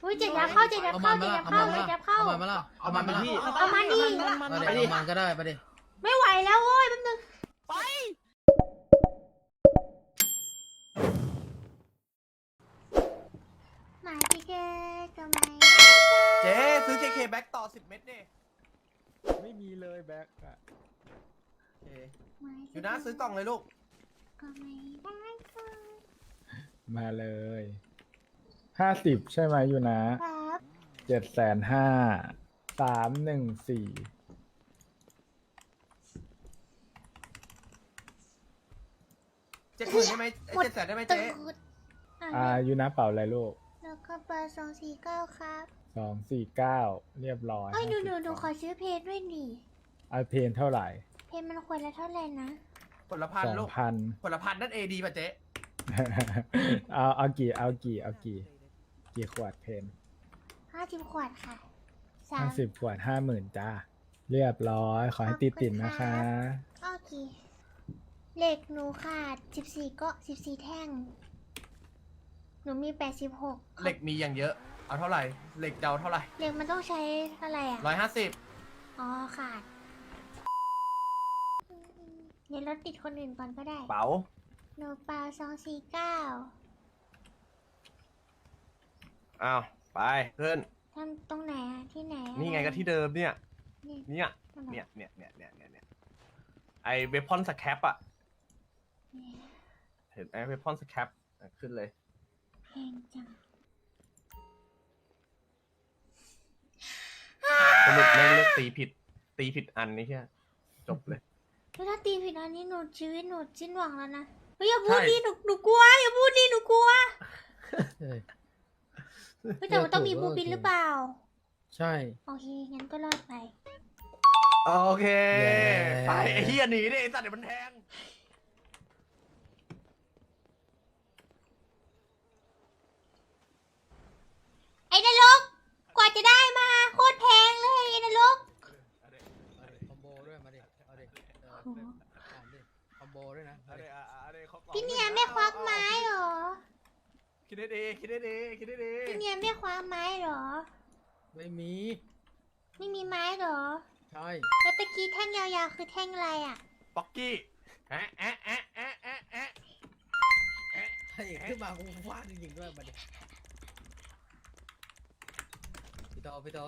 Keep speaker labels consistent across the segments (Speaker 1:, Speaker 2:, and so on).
Speaker 1: อุ้ยเจ็ดยับเข้าเจ็ดยับเข้าเจ็ดยับเข้าเจ็ดยับเข้า
Speaker 2: เอามันมาละเอามันมาละ
Speaker 1: เอามาดิ
Speaker 2: มาดิเอามันก็ได้ไปดิ
Speaker 1: ไม่ไหวแล้วโว้ยแป๊บนึงหมาที่แกก็ไม่ได้
Speaker 3: เจ๊ซื้อ KK แบ็กต่อ10 เม็ดดิ
Speaker 4: ไม่มีเลยแบ็คอะ
Speaker 3: อยู่นะซื้อกล่องเลยลูก
Speaker 1: ก็ไม่ได้ค่ะ
Speaker 4: มาเลย50ใช่ไหมอยู่นะครับ 750,000 314
Speaker 3: 70,000ได้ไหม700,000ได้ไหมเจ๊
Speaker 1: ตูด
Speaker 4: อยู่นะเป่าอะไรลูก
Speaker 1: แล้วก็เบอร์249ครับ
Speaker 4: 249เรียบร้อย
Speaker 1: เอ้ยหนู
Speaker 4: 50
Speaker 1: ขอซื้อเพจด้วยดิ
Speaker 4: เอาเพนเท่าไหร่
Speaker 1: เพจมันควรละเท่าไหร่นะ
Speaker 3: ผลพันลูก
Speaker 4: 2,000
Speaker 3: ผลพันนั่น AD ป่ะเจ๊
Speaker 4: เอากี่ขวดเพน
Speaker 1: 50 ขวดค่ะ
Speaker 4: 50 ขวด 50,000จ้าเรียบร้อยขอให้ติดนะคะ
Speaker 1: โอเคเหล็กหนูขาด14ก็14แท่ง หนูมี86
Speaker 3: เหล็กมีอย่างเยอะ เอาเท่าไหร่ เหล็กเจ้าเท่าไหร่
Speaker 1: เหล็กมันต้องใช้อะไรอ่ะ
Speaker 3: 150
Speaker 1: อ๋อขาดเดี๋ยวเราติดคนอื่นก่อนก็ได้
Speaker 3: เป๋า
Speaker 1: หนูเปล่า249
Speaker 3: อ้าว ไปขึ้น
Speaker 1: ทำตรงไหนอะที่ไหนอะ
Speaker 3: นี่ไงก็ที่เดิมเนี่ย
Speaker 1: นี่
Speaker 3: เนี่ย
Speaker 1: นั่นเหรอ
Speaker 3: เนี่ยไอเวพอนสแคปอะเห็นไหมเวพอนสแคปขึ้นเลย
Speaker 1: แพงจัง
Speaker 3: สรุปแม่งเลือกตีผิดอันนี่แค่จบเลย
Speaker 1: แล้วถ้าตีผิดอันนี้หนูชีวิตหนูสิ้นหวังแล้วนะเฮ้ยอย่าพูด
Speaker 3: ใช่
Speaker 1: ดิหนูกลัวอย่าพูดดิหนูกลัว
Speaker 2: เฮ้ย
Speaker 1: เฮ้ยแต่มันต้องมีบูปินหรือเปล่า
Speaker 2: ใช่
Speaker 1: โอเคงั้นก็รอดไป
Speaker 3: โอเค
Speaker 2: แย่
Speaker 3: ไปไอ้เฮียหนีดิไอ้สัตว์เดี๋ยวมันแทง
Speaker 1: ไอ้นรกกว่าจะได้มาโคตรแพงเลยไอ้นรก
Speaker 2: คอมโบด้วยมาดิเอาดิอ่านดิคอมโบด้วยนะมาดิ
Speaker 1: พี่เนียไม่ควักไม้เหรอ
Speaker 3: คิดได้ดีคิดได้ดีคิดได้ดี
Speaker 1: พี่เนียไม่คว้าไม้เหรอ
Speaker 2: ไม่มี
Speaker 1: ไม่มีไม้เหรอ
Speaker 2: ใช่
Speaker 1: แล้วตะกี้แท่งยาวๆคือแท่งอะไรอ่ะ
Speaker 3: ป๊อกกี้แอะแอะแอะแอะแอะแอะ
Speaker 2: ถ้าอีกขึ้นมากูฟาดจริงๆด้วยมาดิพี่โต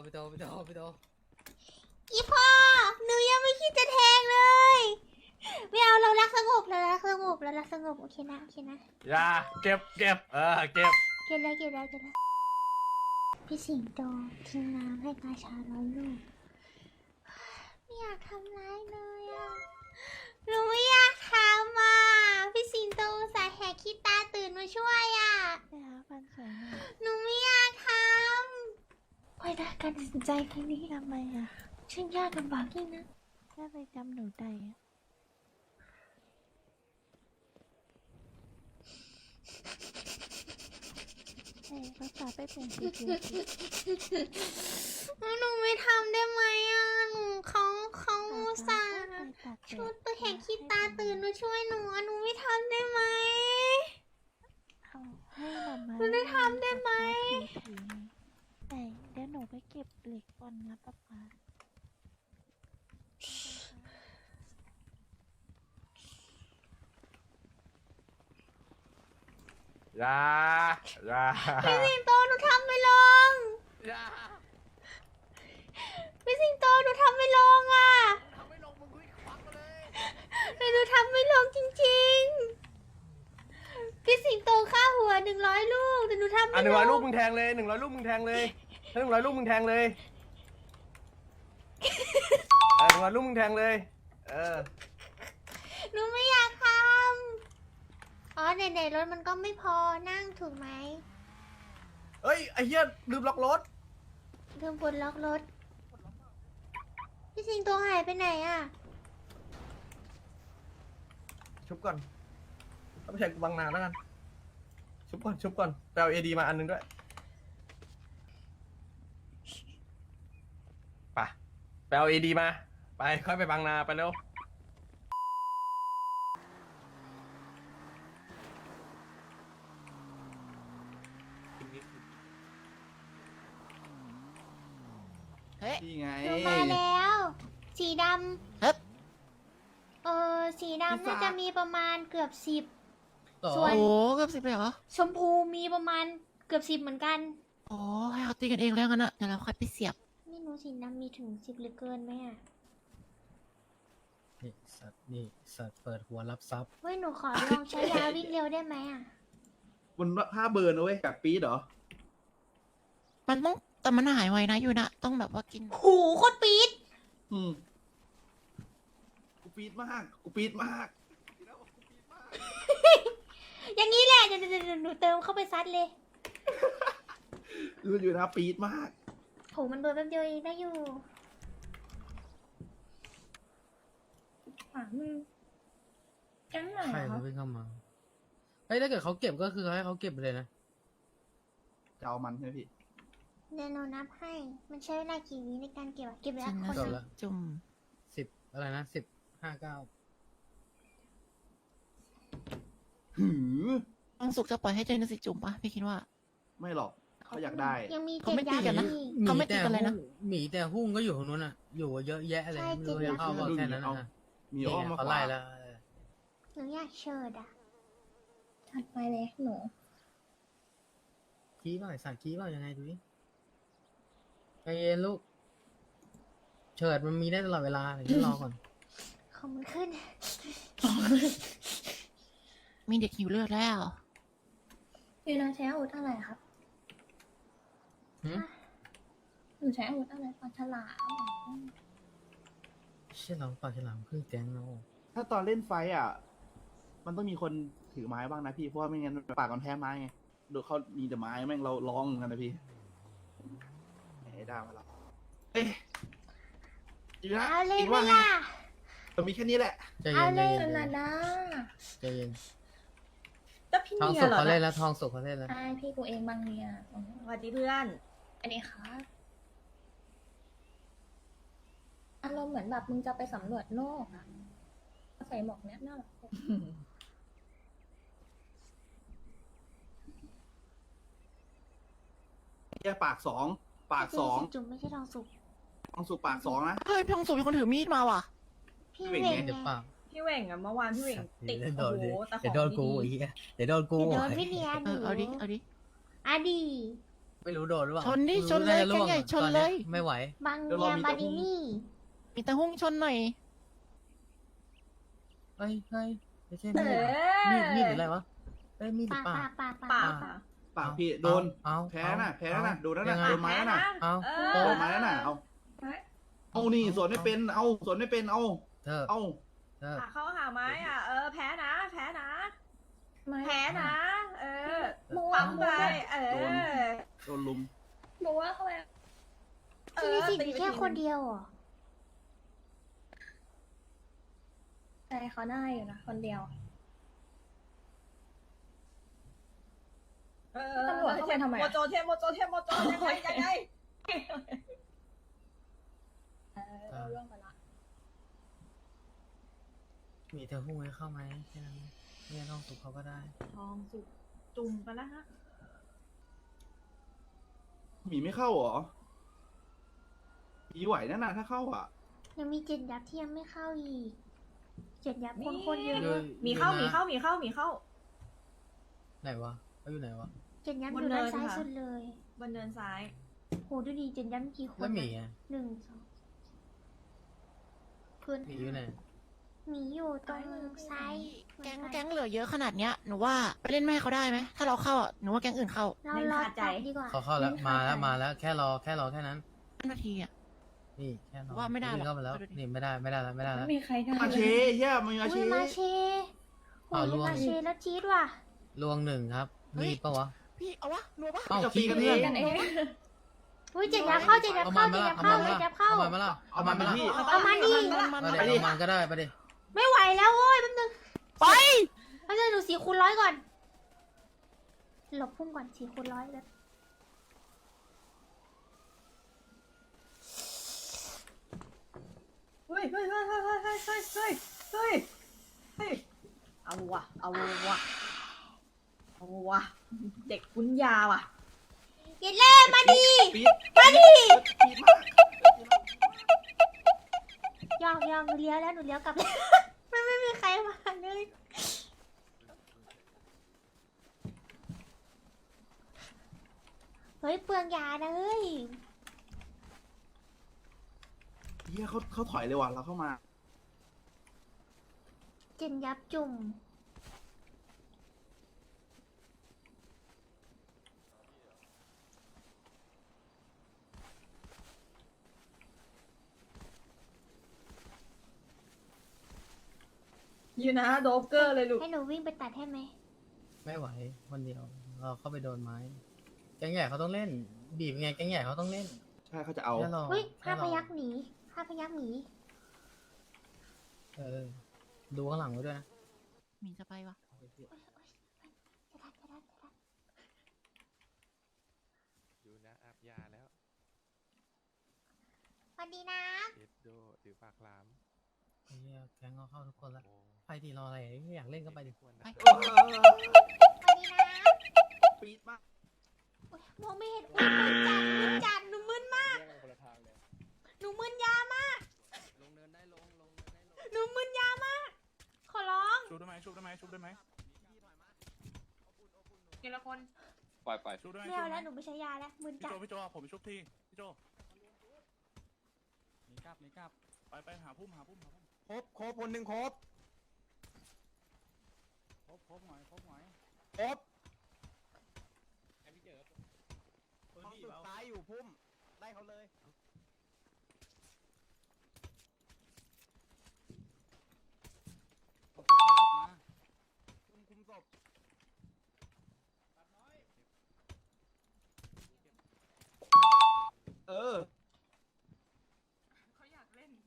Speaker 1: อีพ่อ หนูยังไม่คิดจะแทงเลย ไม่เอาเรารักสงบเรารักสงบเรารักสงบโอเคนะโอเคนะ
Speaker 3: อย่าเก็บเก็บเก็บ
Speaker 1: เก็บแล้วพี่สิงโตทิ้งน้ำให้กาชาร้อยลูกไม่อยากทำร้ายเลยอ่ะหนูไม่อยากทำอ่ะพี่สิงโตอุตสายแหกขี้ตาตื่นมาช่วยอ่ะ
Speaker 5: ฟันสวยหน่อย
Speaker 1: หนูไม่อยากทำค่อยได้การตัดสินใจครั้งนี้
Speaker 5: ทำไมอ่ะ
Speaker 1: ช่างยากลำบากยิ่งนะ
Speaker 5: แค่ไปจำหนูได้อ่ะเอ้ยภาษาไปเปลี่ยนสีเขียวสิ
Speaker 1: หนูไม่ทำได้ไหมอ่ะหนูเขาอุตส่าห์
Speaker 5: ไปตัด
Speaker 1: ชุดตัวแหกขี้ตาตื่นมาช่วยหนูอ่ะหนูไม่ทำได้ไหม
Speaker 5: เอาให้หน่อไม้
Speaker 1: หนูได้ทำได้ไหม
Speaker 5: ผีแต่เดี๋ยวหนูไปเก็บเหล็กก่อนนะป๊าป๊า
Speaker 3: อย่าอย่า
Speaker 1: พี่สิงโตหนูทำไม่ลง
Speaker 3: อย่า
Speaker 1: พี่สิงโตหนูทำไม่ลงอ่ะ
Speaker 3: ทำไม่ลงมึงคุยควักมาเลย
Speaker 1: หนูทำไม่ลงจริงๆพี่สิงโตค่าหัว100 ลูกแต่หนูทำ
Speaker 3: อ่ะ
Speaker 1: ไม่ล
Speaker 3: 100 ลูก
Speaker 1: ง
Speaker 3: มึงแทงเลย100 ลูกมึงแทงเลยถ้า100 ลูกมึงแทงเลย100 ลูกมึงแทงเลย
Speaker 1: หนูไม่อยากทำอ๋อไหนๆรถมันก็ไม่พอนั่งถูกไหม
Speaker 3: เฮ้ยไอ้เหี้ยลืมล็อกรถ
Speaker 1: ลืมปลดล็อกรถพี่สิงโตหายไปไหนอ่ะ
Speaker 3: ชุบก่อนเอาไปใช้กูบังนาแล้วกันชุบก่อนไปเอา AD มาอันนึงด้วยไปเอา AD มาไปค่อยไปบังนาไปเร็ว
Speaker 6: นี่ไง
Speaker 1: หนูมาแล้ว สีด
Speaker 7: เฮ้ย
Speaker 1: ำสีดำน่าจะมีประมาณเกือบ10
Speaker 2: ต่อ
Speaker 1: ส่วน
Speaker 7: โอ้เกือบ10เลยเหรอ
Speaker 1: ชมพูมีประมาณเกือบ10เหมือนกัน
Speaker 7: โอ้ให้เขาตีกันเองแล้วกันนะเดี๋ยวเราค่อยไปเสียบ
Speaker 1: ไม่รู้สีดำมีถึง10หรือเกินไหมอ่ะ
Speaker 2: นี่สัตว์เปิดหัวรับทรัพย์
Speaker 1: เฮ้ยหนูขอลองใช้ยาวิ่งเร็วได้ไหมอ่ะ
Speaker 6: บนผ้าเบิร์นนะเว้ยแบบปี๊ดเหรอ
Speaker 7: มันต้องแต่มันหายไวนะอยู่นะต้องแบบว่ากิน
Speaker 1: หูโคตรปี๊ด
Speaker 6: อืมกูปี๊ดมากกูปี๊ดมาก
Speaker 1: อย่างนี้แหละเดี๋ยวหนูเติมเข้าไปซัดเลย
Speaker 6: รู้อยู่นะปี๊ดมาก
Speaker 1: โหมันโดนแป๊บเดียวเองได้อยู่
Speaker 5: แก๊งไหน
Speaker 2: ใคร
Speaker 5: อะครั
Speaker 2: จะ
Speaker 5: บ
Speaker 2: วิ่งเข้ามาเฮ้ยถ้าเกิดเขาเก็บก็คือให้เขาเก็บไปเลยนะ
Speaker 6: จะเอามันใช่ไหมพี่
Speaker 1: เดี๋ยวหนูนับให้ มันใช้เวลากี่วิในการเก็บอะเก็บ
Speaker 7: จ
Speaker 1: แล้
Speaker 7: ริ
Speaker 1: ว
Speaker 7: ง
Speaker 1: ค
Speaker 7: นะ
Speaker 1: น
Speaker 2: จบ
Speaker 1: ละ
Speaker 2: ละ
Speaker 7: จุ่ม
Speaker 2: 10อะไรนะ10 59
Speaker 6: หือ
Speaker 7: ต้องสุกจะปล่อยให้เจนสิจุ่มปะพี่คิดว่า
Speaker 6: ไม่หรอกเขาอยากได้
Speaker 1: ยังมี
Speaker 7: เขา
Speaker 1: เจ็ด
Speaker 7: ไม่ตี
Speaker 1: ยา
Speaker 7: กันนะ
Speaker 1: อีก
Speaker 7: เขาไม่ตีกันเลยนะ
Speaker 2: หมีแต่หุ้งก็อยู่ตรงนู้นอ่ะ อยู่เยอะแยะเลย
Speaker 1: ใช่
Speaker 2: ไม่รู้
Speaker 1: จริง
Speaker 2: จะเข้าบอกแค่นั้นนะ
Speaker 6: มีอ้อมมา
Speaker 2: เขา
Speaker 6: ขวา
Speaker 2: ไล่แล้ว
Speaker 1: หนูอยากเชิดอ่ะ
Speaker 5: ถัดไปเลยหนู
Speaker 2: ขี้เปล่าไอ้สัตว์ขี้เปล่ายังไงดูดิใจเย็นลูก เฉิดมันมีได้ตลอดเวลาเดี๋ยวรอก่อน
Speaker 1: ของมันขึ้น
Speaker 7: มีเด็กหิวเลือดแล้ว
Speaker 5: อยู่นะใช้อาวุธอะไรครับ
Speaker 2: หืม
Speaker 5: หนูใช้อาวุธอะไรปลาฉลาม
Speaker 2: เชี่ยเราปากฉลามครึ่งแก๊งแล้ว
Speaker 6: ถ้าตอนเล่นไฟท์อ่ะ มันต้องมีคนถือไม้บ้างนะพี่เพราะว่าไม่งั้นปากกันแพ้ไม้ไงดูเขามีแต่ไม้แม่งเราร้องเหมือนกันนะพี่ไอ้ด้ามาแล้วเอ้ยอีกนะ
Speaker 1: เอาเลย
Speaker 6: อีก
Speaker 1: ไหม
Speaker 6: ว่าไง
Speaker 1: ล่ะ
Speaker 6: มันมีแค่นี้แหละ
Speaker 2: ใจเย็
Speaker 1: เอา
Speaker 2: น
Speaker 1: เล
Speaker 2: ใจ
Speaker 1: ย
Speaker 2: เย็น
Speaker 5: นาดา
Speaker 2: ใจเย็น
Speaker 5: แล้วพี่
Speaker 2: ทอง
Speaker 5: เมีย
Speaker 2: สุก
Speaker 5: เหรอ
Speaker 2: เขาเล่นแล้วทองสุกเขาเล่นแล้ว
Speaker 5: ใช่พี่กูเองบางเนี่ย
Speaker 8: สวัสดีเพื่อน
Speaker 5: อันนี้ค่ะอารมณ์เหมือนแบบมึงจะไปสำรวจโลกอะใส่หมวกเนี้ยน่ารัก
Speaker 6: แค่ปากสองปากสอง
Speaker 1: จุ่มไม่ใช่ทองสุก
Speaker 6: ต้องสุกปากสองนะ
Speaker 7: เฮ้ยพี่ต้องสุกมีคนถือมีดมาว่ะ
Speaker 1: พี่
Speaker 6: พี่
Speaker 1: เว
Speaker 6: เวง
Speaker 1: ง
Speaker 2: เดี๋ยว
Speaker 1: ไง
Speaker 2: เปล่า
Speaker 8: พี่เหว่งอะเมื่อวานพี่เหว่งติด
Speaker 2: เดี๋ยวโด
Speaker 8: โอ้
Speaker 2: น
Speaker 8: โหแต่ข
Speaker 2: เดี๋
Speaker 8: อย ง
Speaker 2: วโดนกู
Speaker 8: ดี
Speaker 2: อีกเดี๋ยวโดนกู
Speaker 1: เดี๋ยวโดนพี่เนีย
Speaker 7: เอ
Speaker 1: ดู
Speaker 7: อเอาดิเอาดิ
Speaker 1: อะดี
Speaker 2: ไม่รู้โดนหรือเปล่า
Speaker 7: ชนดิ
Speaker 2: รู้
Speaker 7: ชนเลย
Speaker 2: าจะร่วง
Speaker 7: แกงใหญ่ชน
Speaker 2: ตอ
Speaker 7: เลย
Speaker 2: ไม่ไหว
Speaker 1: บางเนียบาดินี่
Speaker 7: มีแต่หุ้งชนหน่อย
Speaker 2: เฮ้ยไม่ใช่
Speaker 8: เอ
Speaker 2: มีด
Speaker 8: อ
Speaker 2: หรืออะไรวะเอ้ยมีดหรือ
Speaker 1: ปา
Speaker 2: เปล่า
Speaker 1: ปา
Speaker 8: ปาก
Speaker 1: ปา
Speaker 6: ปากพี่โดน
Speaker 2: เอา
Speaker 6: แพ้น่ะแพ้น่ะ
Speaker 2: เอา
Speaker 6: โดนนั่นน่ะ
Speaker 2: ยังไง
Speaker 6: โดนไม้นั่นน่ะ
Speaker 2: เอา
Speaker 8: เอ
Speaker 2: โด
Speaker 6: โด
Speaker 8: อ
Speaker 6: นไม้นั่นน่ะเอานี่สวนไม่เป็นเอาสวนไม่เป็นเอา
Speaker 2: เธอ
Speaker 6: เอา
Speaker 2: เธอ
Speaker 8: เข้าหาไม้อ่ะ เออ แพ้นะ แพ้นะ
Speaker 5: ไม่
Speaker 8: แพ้นะ เออ
Speaker 5: โม
Speaker 8: ปั๊
Speaker 5: ว่าม
Speaker 8: ไปเออ
Speaker 6: โดนลุม
Speaker 5: โมว่าเข้าไป
Speaker 1: ที่นี่สิมีแค่คนเดียวเหรอ
Speaker 5: แต่เขาได้อยู่นะคนเดียว
Speaker 8: เออ
Speaker 5: ตำรวจเข้าไปทำไมอะ
Speaker 8: โมโจเทมโมโจเทมโมโจยังไงยังไง
Speaker 5: เราเรื่องไปละ
Speaker 2: มีเธอหุ้งให้เข้าไหมแค่นั้นเนี่ยทองสุกเขาก็ได้
Speaker 8: ทองสุกจุ่มไปแล้วฮะ
Speaker 6: หมีไม่เข้าเหรอหมีไหวนั่นน่ะถ้าเข้าอ่ะ
Speaker 1: ยังมีเจ็ดยับที่ยังไม่เข้าอีกเจ็ดยับคนเยอะ
Speaker 2: อยู่
Speaker 8: มีเข้า
Speaker 2: อยู่
Speaker 8: มี
Speaker 2: นะ
Speaker 8: เข้ามีเข้ามีเข้า
Speaker 2: ไหนวะเขาอยู่ไหนวะ
Speaker 1: เจ็ดยับบ
Speaker 8: น
Speaker 1: อยู่ด้าน
Speaker 8: เนิน
Speaker 1: ซ้าย
Speaker 8: ค่ะ
Speaker 1: สุดเลย
Speaker 8: บนเนินซ้าย
Speaker 1: โหดูดีเจ็ดยับมีกี่คน
Speaker 2: แล้วหมี
Speaker 1: อะ
Speaker 2: อ่ะ
Speaker 1: 1 2พื้น
Speaker 2: หมีอยู่ไหน
Speaker 1: หมีอยู่ตรงซ้าย
Speaker 7: แก๊งเหลือเยอะขนาดเนี้ยหนูว่าไปเล่นไม่ให้เขาได้ไหมถ้าเราเข้าอ่ะหนูว่าแก๊งอื่นเข้า
Speaker 1: เรารอตัดดีกว่า
Speaker 2: เขาเข้าแล้วมาแล้วแค่รอแค่นั้น
Speaker 7: 5 นาทีอ่ะ
Speaker 2: นี่แค่รอ
Speaker 7: ว่าไม่ได้หรอก
Speaker 2: วิ่งเข้ามาแล้ว
Speaker 7: ดูดิ
Speaker 2: นี่ไม่ได้แล้ว
Speaker 5: ไม่มีใครได้
Speaker 6: มาเชเฮียมึงมา
Speaker 1: อุ้
Speaker 6: เช
Speaker 1: ยมาเชโห
Speaker 2: อ้าวย ล่วง
Speaker 1: มาเชแล้วจี๊ดว่ะ
Speaker 2: ลวงหนึ่งครับ มีดปะวะ
Speaker 7: พี่เอาวะหนูปะ
Speaker 2: เอ้า
Speaker 6: จะตี
Speaker 2: ขี้
Speaker 6: กัน
Speaker 2: เพื่
Speaker 6: เอ
Speaker 2: อน
Speaker 6: ง
Speaker 5: กันเอง
Speaker 1: อุ้ยเจ็ดยับเข้าเจ็ดยับ
Speaker 2: เอา
Speaker 1: เข้า
Speaker 2: มัน
Speaker 1: เจ็
Speaker 2: มา
Speaker 1: ด
Speaker 2: ละ
Speaker 1: ยับ
Speaker 2: เอา
Speaker 1: เข้า
Speaker 2: มันมา
Speaker 1: เจ็ด
Speaker 2: ละ
Speaker 1: ยับเข้า
Speaker 2: เอามันมาละ
Speaker 6: เอามันมาพี่
Speaker 1: เอามาดิ
Speaker 2: มาดิ
Speaker 6: ไปดิ
Speaker 2: เอามันก็ได้ไปดิ
Speaker 1: ไม่ไหวแล้วโว้ยแป๊บนึง
Speaker 7: ไป
Speaker 1: เอาจะดู4 คูณ 100ก่อนหลบพุ่มก่อน4 คูณ 100แล้ว
Speaker 8: เฮ้ยเฮ้ยเฮ้ยเฮ้ยเฮ้ยเฮ้ยเฮ้ยเฮ้ยเฮ้ยเฮ้ยเอาวะเอาวะเอาวะเด็กปุ้นยาว่ะ
Speaker 1: เย็นเล่มาดิ
Speaker 6: ปี๊ดมาดิปี๊ดมาก
Speaker 1: ลี้ยวแล้วหนูเลี้ยวกลับแล้ว ไม่มีใครมาเลยเฮ้ยเปลืองยานะเฮ้ย
Speaker 6: เฮียเขาถอยเลยว่ะเราเข้ามา
Speaker 1: เจนยับจุ่ม
Speaker 8: อยู่นะโดบเกอร์เลยลูก
Speaker 1: ให้หนูวิ่งไปตัดให้ไหม
Speaker 2: ไม่ไหวคนเดียวเราเข้าไปโดนไม้ แก๊งใหญ่เขาต้องเล่น บีบไงแก๊งใหญ่เขาต้องเล่น
Speaker 6: ใช่เขาจะเอา
Speaker 2: แค่รอ
Speaker 1: เฮ้ย
Speaker 2: แค่
Speaker 1: ห้าร พ
Speaker 2: อ
Speaker 1: ยักหนีห้าพยักหนี
Speaker 2: ดูข้างหลังไว้ด้วยนะ
Speaker 7: หมีจะไปวะ
Speaker 1: จะทันจะทันจะทัน
Speaker 9: ดูนะอาบยาแล้ว
Speaker 1: สวัสดีนะ
Speaker 9: เอ็ดโดถือปากหลาม
Speaker 2: ไอ้เหี้ยแก๊งเขาเข้าทุกคนละ
Speaker 9: โอ้
Speaker 2: ไปทีรออะไรอยากเล่นก็ไปดิ
Speaker 9: ควร
Speaker 7: ไป
Speaker 9: นะ
Speaker 1: สวัสดีนะ
Speaker 6: ปีดมาก
Speaker 1: โอ๊ยมองไม่เห็นอุ๊ยมึนจัดหนูมึนมาก หนูมึนยามาก
Speaker 2: ลงเนินได้ลงเนินได้ลง
Speaker 1: หนูมึนยามาก ขอร้อง
Speaker 3: ชุบได้ไหมชุบได้ไหมชุบได้ไหม
Speaker 8: ทีละคน
Speaker 9: ปล่อย
Speaker 3: ชุบได้ไหม
Speaker 1: ไม่เอาแล้วหนูไม่ใช้ยาแล้วมึน
Speaker 3: พี่
Speaker 1: จัด
Speaker 3: โจพี่โจผมไปชุบทีพี่โจ
Speaker 4: มีกลับมีกลับ
Speaker 3: ไปหาพุ่มหาพุ่ม
Speaker 4: ครบคนหนึ่งครบหน่อยครบ
Speaker 6: ห้องสุดท้ายอยู่พุ่มไล่เขาเลยคุมศพ เออ
Speaker 8: เขาอยากเล่น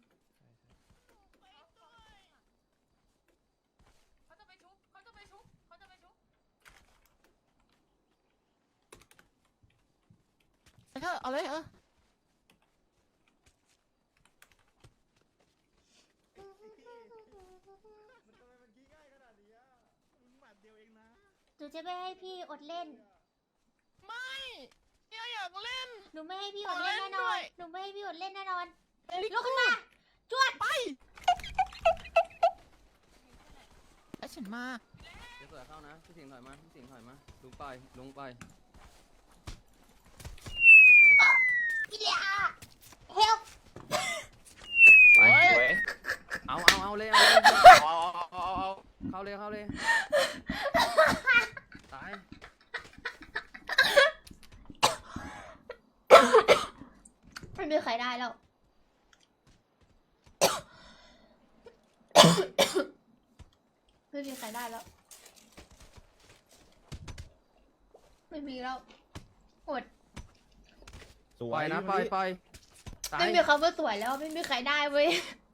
Speaker 8: เขาจะไปชุบ
Speaker 7: ไปเถอะเอาเลย
Speaker 1: หนูจะไม่ให้พี่อดเล่น
Speaker 7: ไม่เนี่ยอยากเล่น
Speaker 1: หนูไม่ให้พี่อดเล่นแน่น
Speaker 7: ขอเล่นด้
Speaker 1: อ
Speaker 7: วน ย
Speaker 1: หนูไม่ให้พี่อดเล่นแน่นอนลุกขึ้นมา จวด
Speaker 7: ไปแล้วฉันมา
Speaker 2: เดี๋ยวเสือเข้านะพี่สิงห์ถอยมาพี่สิงห์ถอยมาลุงไป
Speaker 1: อิเลียเฮล
Speaker 2: ไปเอาเลยเข้าเลยตาย
Speaker 1: ไม่มีใครได้แล้ว ไม่มีใครได้แล้ว ไม่มีแล้วอด
Speaker 2: ปล่อยนะปล่อยตาย
Speaker 1: ไม่มีคำว่าสวยแล้วไม่มีใครได้เว้ย